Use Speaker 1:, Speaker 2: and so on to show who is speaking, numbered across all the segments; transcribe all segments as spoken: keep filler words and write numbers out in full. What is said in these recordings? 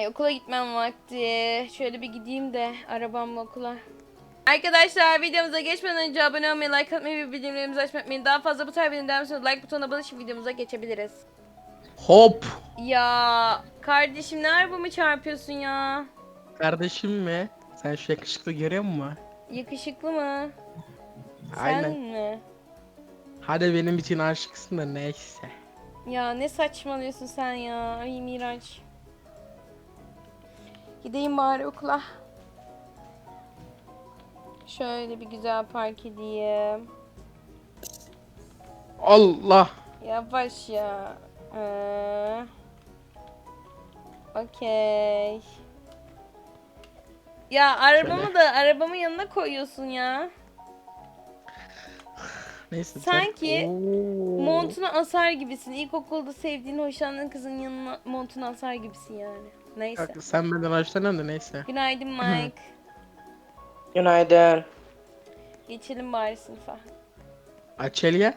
Speaker 1: Ay okula gitmem vakti. Şöyle bir gideyim de arabamla okula. Arkadaşlar videomuza geçmeden önce abone olmayı, like atmayı ve bildirimlerimizi açmayı unutmayın. Daha fazla bu tarz videoların devam için like butonuna basıp videomuza geçebiliriz.
Speaker 2: Hop.
Speaker 1: Ya kardeşim ne arabamı çarpıyorsun ya?
Speaker 2: Kardeşim mi? Sen şu yakışıklı görüyor musun?
Speaker 1: Yakışıklı mı? Sen
Speaker 2: Aynen.
Speaker 1: mi?
Speaker 2: Hadi benim için aşıksın da neyse.
Speaker 1: Ya ne saçmalıyorsun sen ya? Ay Miraç. Gideyim bari okula. Şöyle bir güzel park edeyim.
Speaker 2: Allah.
Speaker 1: Yavaş ya. Ee, Okey. Ya arabamı
Speaker 2: Şöyle.
Speaker 1: da arabamın yanına koyuyorsun ya.
Speaker 2: Neyse.
Speaker 1: Sanki
Speaker 2: Oo.
Speaker 1: montuna asar gibisin. İlkokulda sevdiğin, hoşlandığın kızın yanına montuna asar gibisin yani. Neyse.
Speaker 2: Bak, sen benden hoşlanıyorsun da neyse.
Speaker 1: Günaydın Mike.
Speaker 3: Günaydın.
Speaker 1: Geçelim bari sınıfa.
Speaker 2: Açelya.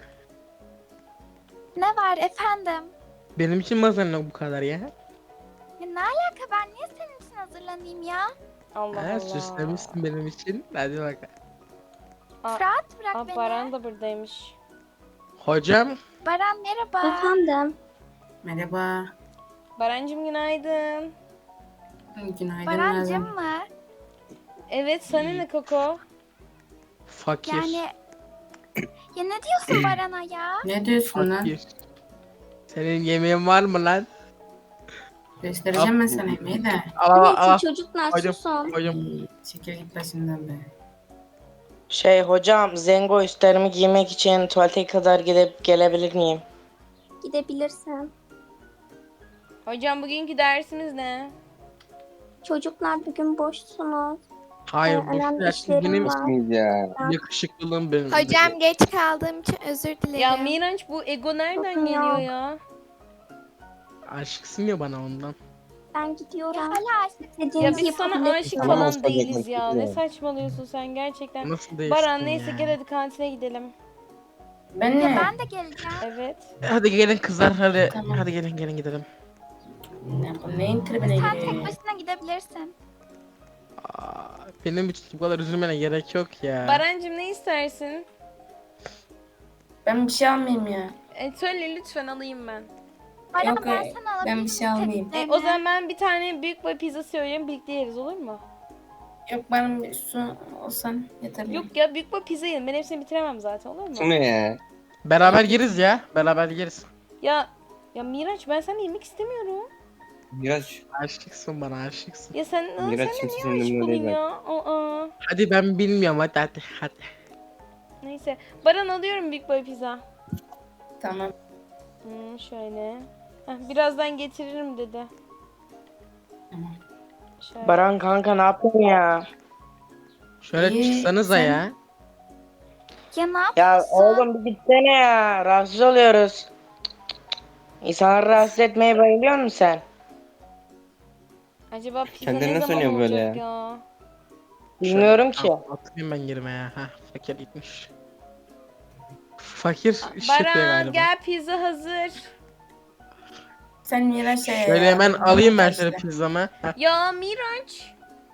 Speaker 4: Ne var efendim?
Speaker 2: Benim için mi hazırlanıyor bu kadar ya?
Speaker 4: Ya ne alaka, ben niye senin için hazırlanayım ya?
Speaker 1: Allah
Speaker 2: Ha,
Speaker 1: Allah.
Speaker 2: süslemişsin benim için. Hadi bakalım.
Speaker 1: Aa,
Speaker 4: Fırat bırak
Speaker 1: aa,
Speaker 4: beni.
Speaker 1: Baran da buradaymış.
Speaker 2: Hocam.
Speaker 4: Baran merhaba.
Speaker 5: Efendim.
Speaker 6: Merhaba.
Speaker 1: Barancım günaydın.
Speaker 6: Günaydın
Speaker 4: Barancım
Speaker 6: Nazan.
Speaker 4: mı?
Speaker 1: Evet sana ne Koko?
Speaker 2: Fakir.
Speaker 4: Yani ya ne diyorsun Baran'a ya?
Speaker 6: Ne diyorsun lan?
Speaker 2: Fakir. Senin yemeğin var mı lan?
Speaker 6: Göstereceğim ben sana yemeği de.
Speaker 2: Al al al.
Speaker 5: Neyse çocuklar
Speaker 2: Hocam.
Speaker 5: susun.
Speaker 2: Hocam.
Speaker 6: İyi, çekil git başımdan be.
Speaker 3: Şey hocam, Zengo üstlerimi giymek için tuvalete kadar gidip gelebilir miyim?
Speaker 5: Gidebilirsin.
Speaker 1: Hocam bugünkü dersimiz ne?
Speaker 5: Çocuklar bugün boşsunuz.
Speaker 2: Hayır
Speaker 5: Ee,
Speaker 2: bu
Speaker 5: önemli
Speaker 2: ya,
Speaker 5: işlerim
Speaker 2: benim
Speaker 5: var.
Speaker 7: ya.
Speaker 2: yakışıklılığım benim.
Speaker 8: Hocam geç kaldığım için özür dilerim.
Speaker 1: Ya Miraç bu ego nereden
Speaker 5: Yok,
Speaker 1: geliyor
Speaker 5: yok.
Speaker 1: ya?
Speaker 2: Aşıksın ya bana ondan.
Speaker 5: Ben
Speaker 4: Ya
Speaker 5: gidiyorum.
Speaker 4: hala aşık.
Speaker 1: Ya
Speaker 5: Dediğinizi
Speaker 1: biz sana
Speaker 5: yapabilirsiniz.
Speaker 1: aşık
Speaker 7: Tamam,
Speaker 1: falan
Speaker 7: olsa
Speaker 1: değiliz
Speaker 7: bekle,
Speaker 1: ya. Ne
Speaker 7: bekliyorum.
Speaker 1: saçmalıyorsun sen gerçekten.
Speaker 2: Nasıl değilsin
Speaker 1: Baran neyse
Speaker 2: ya?
Speaker 1: gel hadi kantine gidelim.
Speaker 6: Ben
Speaker 4: Ya
Speaker 6: ne?
Speaker 4: ben de geleceğim.
Speaker 1: Evet.
Speaker 2: Hadi gelin kızlar hadi.
Speaker 6: Tamam.
Speaker 2: Hadi gelin gelin gidelim.
Speaker 6: Ne bu neyin tribine
Speaker 4: Sen
Speaker 6: giriyor
Speaker 4: tek
Speaker 6: ya?
Speaker 4: başına gidebilirsin.
Speaker 2: Aa, benim için bu kadar üzülmene gerek yok ya.
Speaker 1: Barancım ne istersin?
Speaker 6: Ben bir şey almayayım ya.
Speaker 1: E, söyle lütfen alayım ben.
Speaker 4: Baran
Speaker 6: Yok,
Speaker 4: ben
Speaker 6: e,
Speaker 4: sana alabilirim.
Speaker 6: ben bir şey almayayım.
Speaker 1: E, o zaman ben bir tane büyük boy pizza söyleyeyim birlikte yeriz olur mu?
Speaker 6: Yok bana bir su olsan yeter.
Speaker 1: Yok ya büyük boy pizza yiyelim ben hepsini bitiremem zaten olur mu?
Speaker 7: Bu ne ya?
Speaker 2: Beraber yeriz ya. Beraber yeriz.
Speaker 1: Ya ya Miraç ben sana yemek istemiyorum.
Speaker 7: Miraç.
Speaker 2: Aşıksın bana aşıksın.
Speaker 1: Ya sen aa,
Speaker 7: Miraç
Speaker 1: sen de
Speaker 7: kimse
Speaker 1: niye
Speaker 7: seninle
Speaker 1: aşık olayım
Speaker 7: değil
Speaker 1: ya? Aa.
Speaker 2: Hadi ben bilmiyorum hadi hadi hadi.
Speaker 1: Neyse. Baran alıyorum büyük boy pizza.
Speaker 6: Tamam.
Speaker 1: Hmm, şöyle. Heh, birazdan getiririm dedi.
Speaker 6: Tamam.
Speaker 1: Şöyle.
Speaker 3: Baran kanka ne yapıyorsun ya?
Speaker 2: Şöyle
Speaker 6: İyi,
Speaker 2: çıksanıza
Speaker 6: sen-
Speaker 2: ya.
Speaker 4: Ya ne
Speaker 3: Ya
Speaker 4: yapıyorsun?
Speaker 3: oğlum bir gitsene ya. Rahatsız oluyoruz. İnsanları rahatsız etmeye bayılıyor musun sen?
Speaker 1: Acaba pizza
Speaker 7: Kendini
Speaker 1: ne
Speaker 7: nasıl
Speaker 1: zaman
Speaker 7: oynuyor böyle
Speaker 1: olacak
Speaker 7: ya?
Speaker 1: ya?
Speaker 3: Bilmiyorum ki.
Speaker 2: Al, atayım ben yerime ya. Heh, fakir gitmiş. Fakir işletiyor
Speaker 1: Baran
Speaker 2: galiba.
Speaker 1: gel pizza hazır.
Speaker 6: Sen Miraç'a ya.
Speaker 2: Şöyle hemen alayım ben şöyle
Speaker 6: İşte.
Speaker 2: pizzamı. Heh,
Speaker 1: Ya Miraç.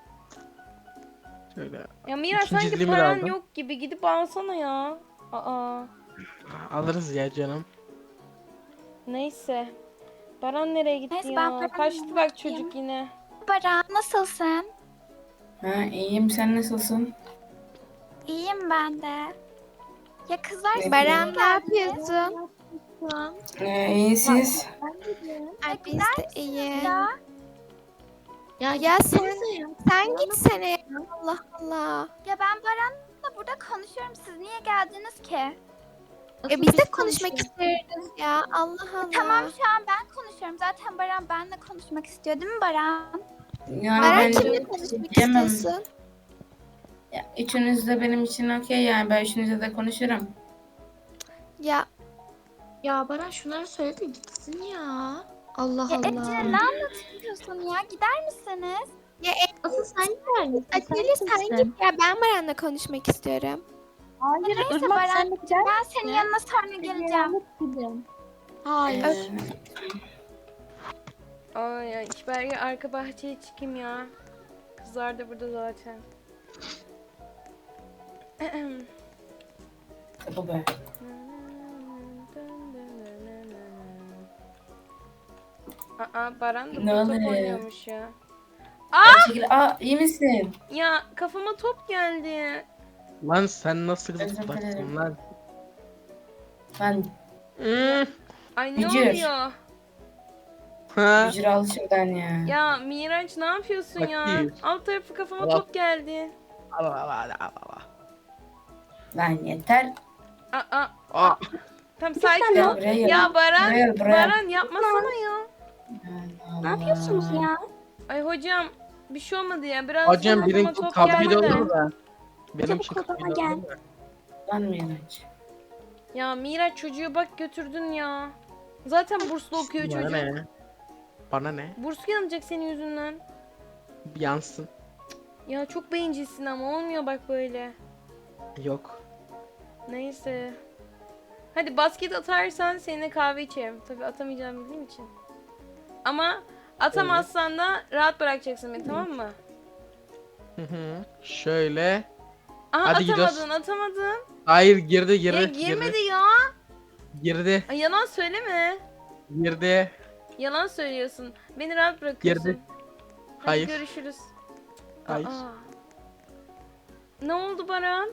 Speaker 2: şöyle
Speaker 1: Ya Miraç
Speaker 2: İkinci
Speaker 1: sanki
Speaker 2: dilimi de
Speaker 1: paran
Speaker 2: aldım.
Speaker 1: yok gibi gidip alsana ya. Aa.
Speaker 2: alırız ya canım.
Speaker 1: Neyse. Baran nereye gitti
Speaker 4: Neyse,
Speaker 1: ya?
Speaker 4: ben Baran'ı
Speaker 1: Kaçtı bak
Speaker 4: bakayım.
Speaker 1: çocuk yine.
Speaker 4: Baran nasılsın?
Speaker 6: Ha iyiyim, sen nasılsın?
Speaker 4: İyiyim ben de. Ya kızlar siz
Speaker 8: Baran
Speaker 4: niye
Speaker 8: ne
Speaker 4: geldiniz?
Speaker 8: yapıyorsun?
Speaker 6: Ee, iyi siz?
Speaker 8: Ay biz
Speaker 4: gider
Speaker 8: de iyi.
Speaker 4: Ya
Speaker 8: Ya, ya sen, sen gitsene. Allah Allah.
Speaker 4: Ya ben Baran'la burada konuşuyorum. Siz niye geldiniz ki?
Speaker 8: E biz de konuşmak istiyoruz ya. Allah Allah.
Speaker 4: Tamam şu an ben konuşuyorum. Zaten Baran benimle konuşmak istiyor değil mi Baran?
Speaker 6: Yani
Speaker 8: Baran
Speaker 6: ben
Speaker 8: kimle konuşmak
Speaker 6: diyemem.
Speaker 8: istiyorsun?
Speaker 6: Ya, üçünüz de benim için okey yani, ben üçünüzle de konuşurum.
Speaker 8: Ya
Speaker 5: Ya Baran şunları söyle de gitsin ya. Allah
Speaker 4: Ya
Speaker 5: Allah.
Speaker 4: Ece ne anlatıyorsun ya? Gider misiniz?
Speaker 5: Asıl sen gider misin?
Speaker 8: Atilla sen git ya. Ben Baran'la konuşmak istiyorum.
Speaker 4: Hayır Neyse Baran ben senin yanına sonra geleceğim.
Speaker 5: Hayır.
Speaker 6: Ee,
Speaker 1: Ay ya hiç belki arka bahçeye çıkayım ya. Kızlar da burada zaten.
Speaker 6: Bu be.
Speaker 1: Aa Baran da
Speaker 6: Ne
Speaker 1: burada top
Speaker 6: oluyor?
Speaker 1: oynuyormuş ya.
Speaker 6: Aa! Çekil. Aa iyi misin?
Speaker 1: Ya kafama top geldi.
Speaker 2: Lan sen nasıl
Speaker 6: Özür
Speaker 2: zıplarsın
Speaker 6: dilerim.
Speaker 2: lan?
Speaker 6: Lan
Speaker 2: Hmm.
Speaker 1: Ay ne
Speaker 6: Bücür.
Speaker 1: oluyor?
Speaker 2: Ha.
Speaker 6: bücür al şuradan ya.
Speaker 1: Ya Miraç ne yapıyorsun ya?
Speaker 2: Bakayım.
Speaker 1: Alt tarafı kafama
Speaker 2: Allah.
Speaker 1: top geldi.
Speaker 2: Allah Allah Allah Allah.
Speaker 6: Lan yeter.
Speaker 1: Aa,
Speaker 2: Aa.
Speaker 1: tam sakin
Speaker 6: Gel
Speaker 1: ol.
Speaker 6: buraya gel.
Speaker 1: Ya Baran,
Speaker 6: Buraya, buraya.
Speaker 1: Baran yapmasana ya.
Speaker 6: Allah
Speaker 4: Ne yapıyorsunuz
Speaker 6: Allah.
Speaker 4: ya?
Speaker 1: Ay hocam bir şey olmadı ya. Biraz
Speaker 2: Hocam
Speaker 1: kafama
Speaker 2: benimki
Speaker 1: top
Speaker 2: kabul
Speaker 1: geldi de.
Speaker 2: olur da. Benim
Speaker 4: Çabuk
Speaker 2: için
Speaker 4: odama
Speaker 2: kabul
Speaker 4: gel.
Speaker 2: olur da.
Speaker 6: Lan Miraç.
Speaker 1: Ya Miraç çocuğu bak götürdün ya. Zaten burslu okuyor
Speaker 2: Bana
Speaker 1: çocuk.
Speaker 2: ne? Bana ne?
Speaker 1: Burs yanacak senin yüzünden.
Speaker 2: Yansın.
Speaker 1: Ya çok bencilsin ama olmuyor bak böyle.
Speaker 2: Yok.
Speaker 1: Neyse. Hadi basket atarsan seninle kahve içerim. Tabii atamayacağımı bildiğim için. Ama atamazsan da rahat bırakacaksın beni, tamam mı?
Speaker 2: Hı hı. Şöyle.
Speaker 1: Aha
Speaker 2: Hadi gidiyoruz.
Speaker 1: atamadın atamadın.
Speaker 2: Hayır girdi girdi.
Speaker 1: Ya girmedi
Speaker 2: girdi.
Speaker 1: ya.
Speaker 2: Girdi.
Speaker 1: Ay, yalan söyleme.
Speaker 2: Girdi.
Speaker 1: Yalan söylüyorsun. Beni rahat bırakıyorsun.
Speaker 2: Girdi.
Speaker 1: Hadi
Speaker 2: Hayır.
Speaker 1: görüşürüz.
Speaker 2: Hayır.
Speaker 1: Aa. Ne oldu Baran?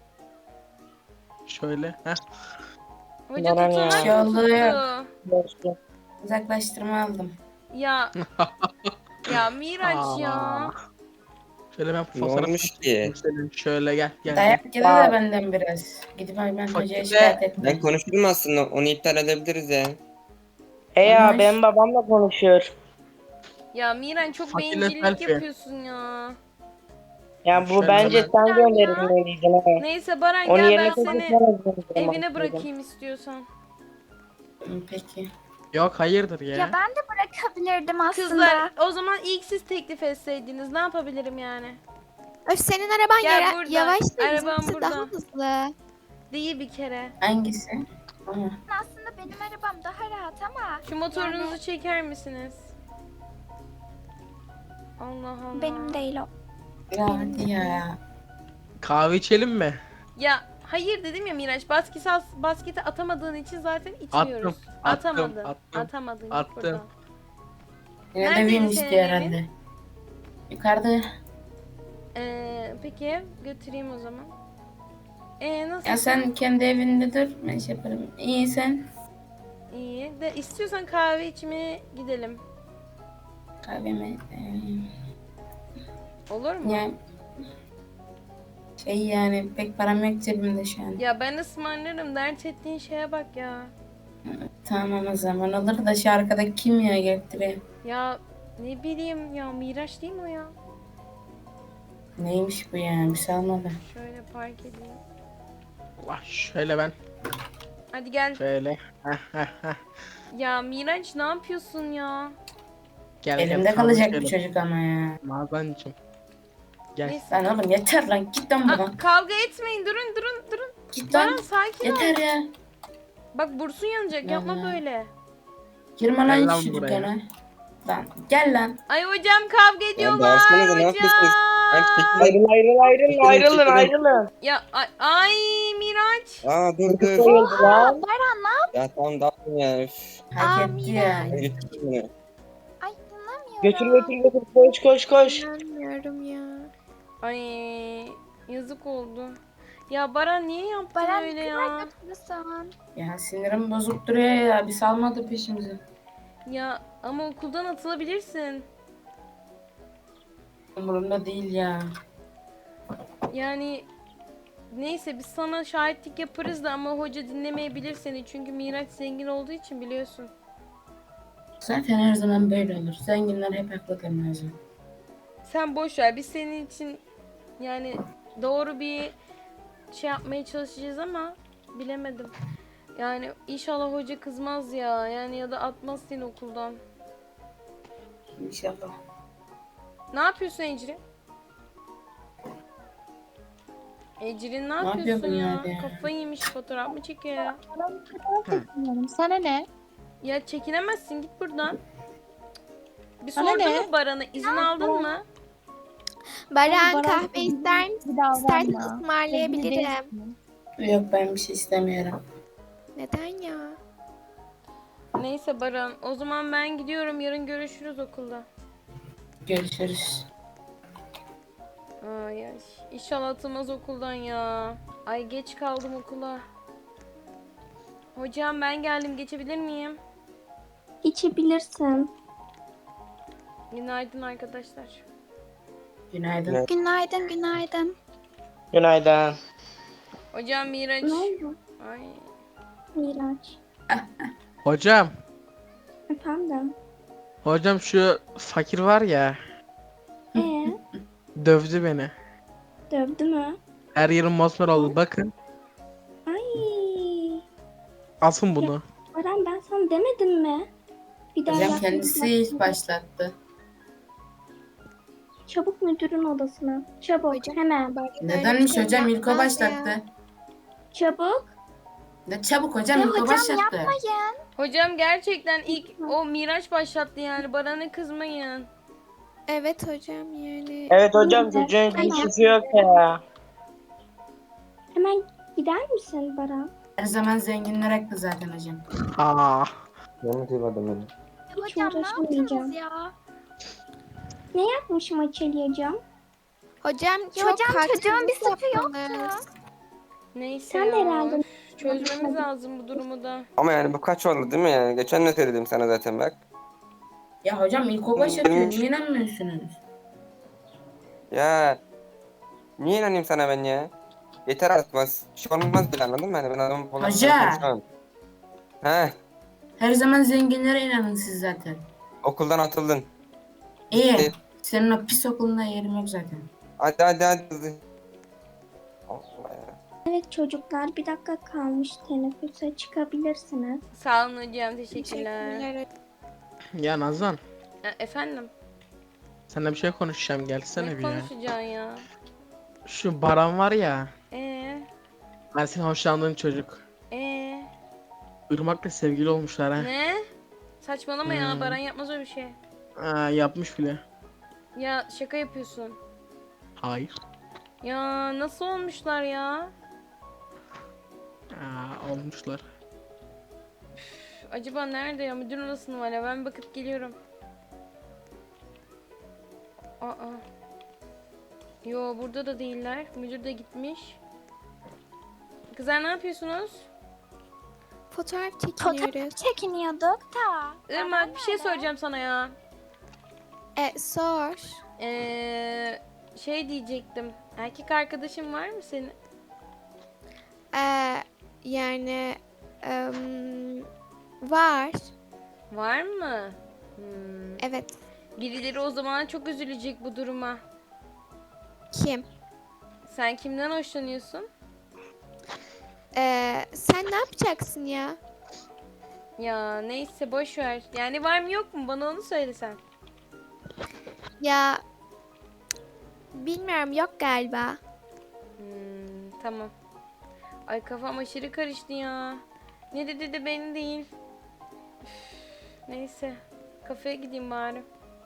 Speaker 2: Şöyle. Heh.
Speaker 1: Hoca
Speaker 3: Baran ya.
Speaker 1: tutanak
Speaker 6: Şey oldu
Speaker 1: tuttu.
Speaker 6: ya.
Speaker 3: Dostum.
Speaker 6: Uzaklaştırma aldım.
Speaker 1: Ya. Ya Miraç ya.
Speaker 2: Aa. Şöyle ben
Speaker 7: Ne
Speaker 2: fotoğraf
Speaker 7: olmuş ki?
Speaker 2: çekeyim senin. Şöyle gel gel.
Speaker 6: Dayak yedi de
Speaker 3: Aa.
Speaker 6: benden biraz. Gidip hemen hocaya
Speaker 2: Fakirde-
Speaker 6: şikayet ettim.
Speaker 7: Ben konuşurum aslında. Onu iptal edebiliriz ya.
Speaker 3: He ya
Speaker 6: Anlaş.
Speaker 3: benim babam da konuşuyor.
Speaker 1: Ya Miran çok
Speaker 2: Fakirle
Speaker 1: bencillik
Speaker 2: selfie.
Speaker 1: yapıyorsun ya.
Speaker 3: Ya bu
Speaker 2: Şöyle
Speaker 3: bence
Speaker 2: ben-
Speaker 3: sen gönderilmeliydin ha.
Speaker 1: Neyse Baran
Speaker 3: Onun
Speaker 1: gel
Speaker 3: yerine
Speaker 1: ben
Speaker 3: kesin
Speaker 1: seni
Speaker 3: sana gönderdim
Speaker 1: evine
Speaker 3: aslında.
Speaker 1: bırakayım istiyorsan.
Speaker 6: Hı, Peki.
Speaker 2: Yok hayırdır ya.
Speaker 4: Ya ben de bırakabilirdim aslında.
Speaker 1: Kızlar o zaman ilk siz teklif etseydiniz ne yapabilirim yani?
Speaker 8: Öf senin araban
Speaker 1: Gel
Speaker 8: yara-
Speaker 1: buradan.
Speaker 8: yavaş değil
Speaker 1: Arabam
Speaker 8: bizimkisi
Speaker 1: burada.
Speaker 8: daha hızlı.
Speaker 1: Değil bir kere.
Speaker 6: Hangisi? Aha.
Speaker 4: Aslında benim arabam daha rahat ama
Speaker 1: Şu motorunuzu çeker misiniz? Allah Allah.
Speaker 4: benim değil o.
Speaker 6: Ya hadi ya.
Speaker 2: Kahve içelim mi?
Speaker 1: Ya hayır dedim ya Miraç, basket basketi atamadığın için zaten içmiyoruz.
Speaker 2: Attım, attım,
Speaker 1: Atamadın.
Speaker 2: attım,
Speaker 1: Atamadın. Git
Speaker 2: attım.
Speaker 1: buradan.
Speaker 6: Yine
Speaker 1: Neredeydi
Speaker 6: de win
Speaker 1: senin
Speaker 6: istiyor
Speaker 1: evin?
Speaker 6: herhalde. Yukarıda.
Speaker 1: Ee, peki götüreyim o zaman. Ee nasıl?
Speaker 6: Ya sen kendi evinde dur. Ben şey yaparım. İyi sen.
Speaker 1: İyi. De istiyorsan kahve içmeye gidelim.
Speaker 6: Kahvemi.
Speaker 1: Olur mu?
Speaker 6: Ya şey yani pek param yok cebimde şu an.
Speaker 1: Ya ben ısmarlarım. Dert ettiğin şeye bak ya.
Speaker 6: Tamam o zaman olur da şu arkadaki kim ya getiriyor?
Speaker 1: Ya ne bileyim ya, Miraç değil mi o ya?
Speaker 6: Neymiş bu ya? Bir şey almadı.
Speaker 1: Şöyle park edeyim.
Speaker 2: Allah şöyle ben.
Speaker 1: Hadi gel.
Speaker 2: Şöyle. Heh, heh, heh.
Speaker 1: Ya Miraç ne yapıyorsun ya?
Speaker 2: Gel, gel,
Speaker 6: Elimde
Speaker 2: kahve
Speaker 6: kalacak bu
Speaker 2: içelim.
Speaker 6: çocuk ama ya.
Speaker 2: Nazancığım. Gel.
Speaker 1: Neyse.
Speaker 6: Lan oğlum yeter lan git lan
Speaker 1: Aa,
Speaker 6: buradan.
Speaker 1: kavga etmeyin. Durun durun durun.
Speaker 6: Git
Speaker 1: Baran
Speaker 6: lan.
Speaker 1: sakin ol.
Speaker 6: Yeter ya.
Speaker 1: Bak bursun yanacak. Yapma
Speaker 6: Ya.
Speaker 1: böyle.
Speaker 6: Girme
Speaker 2: Gel
Speaker 6: lan
Speaker 2: lan
Speaker 6: şu
Speaker 2: buraya.
Speaker 6: dükkana. Lan gel lan.
Speaker 1: Ay hocam kavga ediyorlar.
Speaker 7: bağırsanıza, ne
Speaker 1: hocam.
Speaker 7: yapıyorsunuz? Ben çekil.
Speaker 3: Ayrıl ayrıl ayrılın
Speaker 7: Çekilin,
Speaker 3: ayrılın
Speaker 7: çekilin.
Speaker 3: ayrılın.
Speaker 1: Ya ay, ay Miraç.
Speaker 7: Aa dur dur.
Speaker 3: Sayıldı lan.
Speaker 7: Ya tamam dağıtın ya. Üf.
Speaker 6: Hak
Speaker 4: Aa,
Speaker 6: etti ya.
Speaker 7: Ben götüreyim bunu.
Speaker 4: Ay inanamıyorum.
Speaker 3: Götür götür götür koş koş koş.
Speaker 8: İnanmıyorum ya.
Speaker 1: Ay yazık oldu. Ya Baran niye yaptın
Speaker 4: Baran
Speaker 1: öyle
Speaker 4: ne
Speaker 1: ya?
Speaker 4: kadar götürürsen.
Speaker 6: Ya sinirim bozuk duruyor ya. Bir salmadı peşimizi.
Speaker 1: Ya ama okuldan atılabilirsin.
Speaker 6: Umurumda değil ya.
Speaker 1: Yani neyse biz sana şahitlik yaparız da ama hoca dinlemeyebilir seni. Çünkü Miraç zengin olduğu için biliyorsun.
Speaker 6: Zaten her zaman böyle olur. Zenginler hep haklıdır Nazım.
Speaker 1: Sen boş ver. Biz senin için yani doğru bir şey yapmaya çalışacağız ama bilemedim. Yani inşallah hoca kızmaz ya. Yani ya da atmaz seni okuldan.
Speaker 6: İnşallah.
Speaker 1: Ne yapıyorsun Ecrin? Ecrin ne
Speaker 6: yapıyor
Speaker 1: yapıyorsun ya?
Speaker 6: bunlar ya?
Speaker 1: Kafayı yemiş, fotoğraf mı çekiyor ya?
Speaker 5: Sana ne?
Speaker 1: Ya çekinemezsin, git buradan. Bir
Speaker 8: Bana
Speaker 1: sordun
Speaker 8: ne?
Speaker 1: mu Baran'a? İzin aldın mı?
Speaker 8: Baran kahve ister misin? İstersen ısmarlayabilirim.
Speaker 6: Yok ben bir şey istemiyorum.
Speaker 8: Neden ya?
Speaker 1: Neyse Baran, o zaman ben gidiyorum. Yarın görüşürüz okulda.
Speaker 6: Görüşürüz.
Speaker 1: Ay ay. İnşallah atılmaz okuldan ya. Ay geç kaldım okula. Hocam ben geldim. Geçebilir miyim?
Speaker 4: İçebilirsin.
Speaker 1: Günaydın arkadaşlar.
Speaker 6: Günaydın.
Speaker 7: Evet.
Speaker 4: Günaydın, günaydın.
Speaker 3: Günaydın.
Speaker 1: Hocam Miraç.
Speaker 4: Ne oldu?
Speaker 1: Ay.
Speaker 4: Miraç.
Speaker 2: Hocam.
Speaker 4: Efendim?
Speaker 2: Hocam şu fakir var ya.
Speaker 4: Ee,
Speaker 2: Dövdü beni.
Speaker 4: dövdü mü?
Speaker 2: Her yerim mosmor oldu. Bakın.
Speaker 4: Ay.
Speaker 2: Asın bunu.
Speaker 4: Baran ben sana demedim mi? Bir daha
Speaker 6: Hocam
Speaker 4: yapmayacağım.
Speaker 6: kendisi ilk başlattı.
Speaker 4: Çabuk müdürün odasına. Çabuk
Speaker 8: Hocam.
Speaker 4: hemen.
Speaker 6: Nedenmiş
Speaker 8: şey
Speaker 6: hocam ilk o
Speaker 8: yapmaz ya.
Speaker 6: başlattı.
Speaker 4: Çabuk.
Speaker 6: Ne çabuk hocam
Speaker 4: Ya
Speaker 6: ilk o
Speaker 4: hocam
Speaker 6: başlattı.
Speaker 1: Hocam gerçekten ilk o Miraç başlattı yani. Baran'a kızmayın.
Speaker 8: Evet hocam yani.
Speaker 3: Evet hocam çocuğun kimsesi yok ya.
Speaker 4: Hemen gider misin Baran?
Speaker 6: Her zaman zenginler haklı zaten hocam.
Speaker 2: Aa.
Speaker 7: Ben mi duymadım beni?
Speaker 4: Hiç uğraşamayacağım.
Speaker 8: ya?
Speaker 4: Ne yapmışım Açeli hocam?
Speaker 8: Hocam
Speaker 4: Ya
Speaker 8: çok
Speaker 4: hocam, çocuğun bir suçu yok
Speaker 8: yaptınız.
Speaker 1: Neyse
Speaker 4: Sen de
Speaker 1: ya.
Speaker 4: herhalde-
Speaker 1: Üf, Çözmemiz lazım bu durumu da.
Speaker 7: Ama yani bu kaç oldu değil mi yani? Geçen de söyledim sana zaten bak.
Speaker 6: Ya hocam ilk o başlatıyor.
Speaker 7: Benim-
Speaker 6: Niye inanmıyorsunuz?
Speaker 7: Ya niye inanayım sana ben ya? Yeter artık bas. Bir şey olmaz bile anladın mı? Yani ben adamı falan
Speaker 6: Hoca.
Speaker 7: konuşamam. He,
Speaker 6: Her zaman zenginlere inanın siz zaten.
Speaker 7: okuldan atıldın.
Speaker 6: İyi.
Speaker 7: Evet.
Speaker 6: Senin o pis okulunda yerim yok zaten.
Speaker 7: Hadi hadi hadi. Allah ya.
Speaker 4: Evet çocuklar bir dakika kalmış teneffüse çıkabilirsiniz.
Speaker 1: Sağ olun hocam. Teşekkürler.
Speaker 8: Teşekkürler.
Speaker 2: Ya Nazan.
Speaker 1: E, efendim?
Speaker 2: Seninle bir şey konuşacağım. Gelsene
Speaker 1: Ne
Speaker 2: bir ya.
Speaker 1: konuşacaksın ya?
Speaker 2: Şu Baran var ya.
Speaker 1: Ee,
Speaker 2: Ben senin hoşlandığın çocuk.
Speaker 1: ee,
Speaker 2: Irmak'la sevgili olmuşlar ha.
Speaker 1: ne? Saçmalama ya.
Speaker 2: Hmm.
Speaker 1: Baran yapmaz öyle bir şey.
Speaker 2: Aa, yapmış bile.
Speaker 1: Ya şaka yapıyorsun.
Speaker 2: Hayır.
Speaker 1: Ya nasıl olmuşlar ya?
Speaker 2: Aa, olmuşlar.
Speaker 1: Üf, acaba nerede ya? Müdür odasında var ya. Ben bakıp geliyorum. Aa. Yo burada da değiller. Müdür de gitmiş. Kızlar ne yapıyorsunuz?
Speaker 8: Fotoğraf
Speaker 4: Fotoğraf
Speaker 8: çekiniyoruz.
Speaker 4: çekiniyorduk da.
Speaker 1: Irmak bir şey soracağım sana ya.
Speaker 8: E sor.
Speaker 1: Ee, şey diyecektim. Erkek arkadaşın var mı senin?
Speaker 8: E, yani em, var.
Speaker 1: Var mı? Hmm.
Speaker 8: Evet.
Speaker 1: Birileri o zaman çok üzülecek bu duruma.
Speaker 8: Kim?
Speaker 1: Sen kimden hoşlanıyorsun?
Speaker 8: E, sen ne yapacaksın ya?
Speaker 1: Ya neyse boş ver. Yani var mı yok mu? Bana onu söylesen.
Speaker 8: Ya bilmiyorum yok galiba.
Speaker 1: Hmm, tamam. Ay kafam aşırı karıştı ya. Ne dedi de beni değil. Üf, neyse. Kafeye gideyim bari.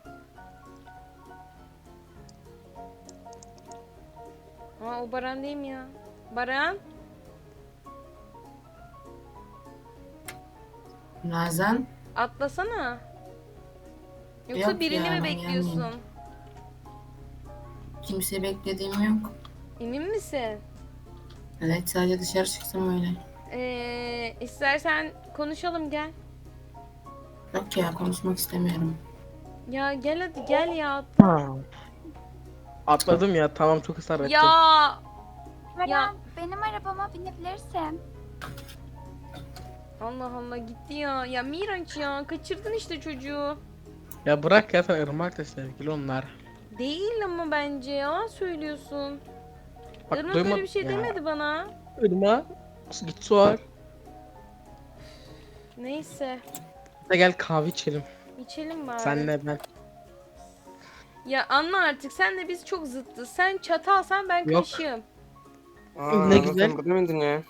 Speaker 1: Aa o Baran değil mi ya? Baran?
Speaker 6: Nazan.
Speaker 1: Atlasana. Yoksa
Speaker 6: Yok
Speaker 1: birini
Speaker 6: ya,
Speaker 1: mi
Speaker 6: ben
Speaker 1: bekliyorsun?
Speaker 6: gelmeyeyim. Kimse beklediğim yok.
Speaker 1: Emin misin?
Speaker 6: Evet sadece dışarı çıktım öyle.
Speaker 1: Ee, istersen konuşalım gel.
Speaker 6: Yok ya konuşmak istemiyorum.
Speaker 1: Ya gel hadi gel ya.
Speaker 2: Atladım ya. Tamam çok ısrar ettim.
Speaker 1: Ya
Speaker 4: Baran
Speaker 1: Ya.
Speaker 4: benim arabama binebilirsin.
Speaker 1: Allah Allah gitti ya. Ya Miraç ya kaçırdın işte çocuğu.
Speaker 2: Ya bırak ya, sen Irmak'la sevgili onlar.
Speaker 1: Değil ama bence ya söylüyorsun.
Speaker 2: Bak,
Speaker 1: Irmak
Speaker 2: duyma-
Speaker 1: öyle bir şey
Speaker 2: ya.
Speaker 1: demedi bana.
Speaker 2: Irmak. Git sor.
Speaker 1: Neyse
Speaker 2: De gel kahve içelim.
Speaker 1: içelim bari.
Speaker 2: Senle ben.
Speaker 1: Ya anla artık sen de biz çok zıttız. Sen çatalsan ben
Speaker 2: Yok.
Speaker 1: kaşığım.
Speaker 7: Aa,
Speaker 2: Ne
Speaker 7: Nazan
Speaker 2: güzel.
Speaker 7: sen burada mıydın ya?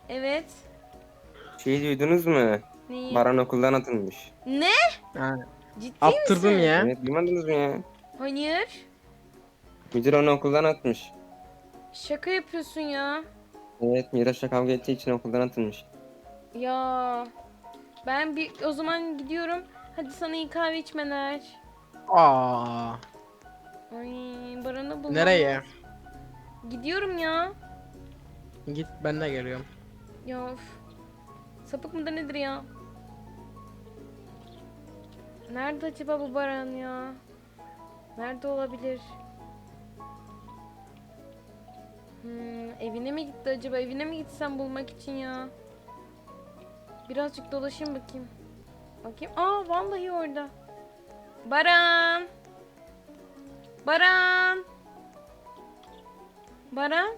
Speaker 1: Evet.
Speaker 7: Şeyi duydunuz mu?
Speaker 1: Neyi?
Speaker 7: Baran okuldan atılmış.
Speaker 1: Ne?
Speaker 2: Ha,
Speaker 1: Ciddi
Speaker 2: Attırdım
Speaker 1: misin?
Speaker 2: ya.
Speaker 7: Evet duymadınız mı ya?
Speaker 1: Hayır.
Speaker 7: Müdür onu okuldan atmış.
Speaker 1: Şaka yapıyorsun ya.
Speaker 7: Evet Miraç'la kavga ettiği için okuldan atılmış.
Speaker 1: Ya. Ben bir o zaman gidiyorum. Hadi sana iyi kahve içmeler.
Speaker 2: Aa.
Speaker 1: Ay Baran'ı bulmam.
Speaker 2: Nereye?
Speaker 1: Gidiyorum ya.
Speaker 2: Git ben de geliyorum.
Speaker 1: Ya of. Sapık mıdır nedir ya? Nerede acaba bu Baran ya? Nerede olabilir? Hmm, evine mi gitti acaba? Evine mi gitsem bulmak için ya? Birazcık dolaşayım bakayım. Bakayım. Aa vallahi orada. Baran. Baran. Baran.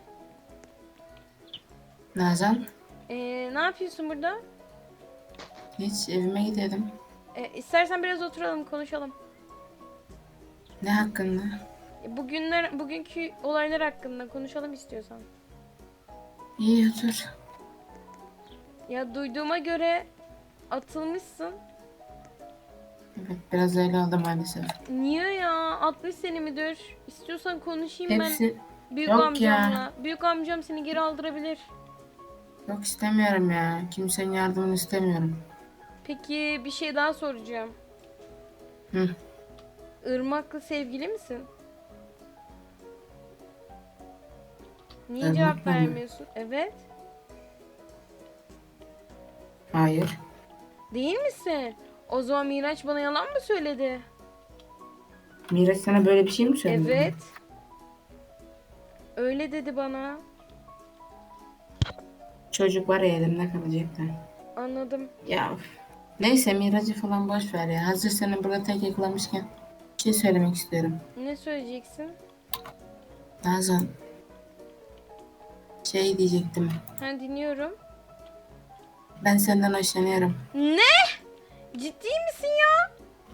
Speaker 6: Nazan,
Speaker 1: Ee, ne yapıyorsun burada?
Speaker 6: hiç evime gidiyordum.
Speaker 1: Ee, istersen biraz oturalım konuşalım.
Speaker 6: Ne hakkında?
Speaker 1: Bugünler, bugünkü olaylar hakkında konuşalım istiyorsan.
Speaker 6: İyi otur.
Speaker 1: Ya duyduğuma göre atılmışsın.
Speaker 6: Evet, biraz öyle oldu maalesef.
Speaker 1: Niye ya? altmış seni midir? İstiyorsan konuşayım
Speaker 6: Hepsi
Speaker 1: ben büyük
Speaker 6: yok
Speaker 1: amcamla.
Speaker 6: ya.
Speaker 1: Büyük amcam seni geri aldırabilir.
Speaker 6: yok istemiyorum ya. Kimsenin yardımını istemiyorum.
Speaker 1: Peki bir şey daha soracağım.
Speaker 6: Hı.
Speaker 1: Irmak'la sevgili misin? Niye
Speaker 6: Irmak'la
Speaker 1: cevap
Speaker 6: mı?
Speaker 1: vermiyorsun? Evet.
Speaker 6: Hayır.
Speaker 1: Değil misin? O zaman Miraç bana yalan mı söyledi?
Speaker 6: Miraç sana böyle bir şey mi söyledi?
Speaker 1: Evet. Öyle dedi bana.
Speaker 6: Çocuk var ya elimde kalacaktı.
Speaker 1: Anladım.
Speaker 6: Ya of. Neyse Miraç'ı falan boş ver ya. Hazır seni burada tek yakalamışken bir şey söylemek istiyorum.
Speaker 1: Ne söyleyeceksin?
Speaker 6: Nazan. Şey diyecektim.
Speaker 1: Ha dinliyorum.
Speaker 6: Ben senden hoşlanıyorum.
Speaker 1: Ne? Ciddi misin ya?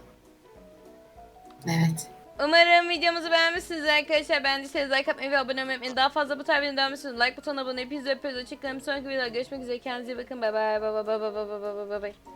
Speaker 6: Evet.
Speaker 1: Umarım videomuzu beğenmişsiniz arkadaşlar. Beğendiyseniz like atmayı ve abone olmayı unutmayın. Daha fazla bu tarz videoları beğenmişsiniz. Like butonuna abone. Hepinizi öpüyoruz. Hoşçakalın. Bir sonraki videoda görüşmek üzere. Kendinize iyi bakın. Bay bay. Bay bay bay bay bay bay bay bay.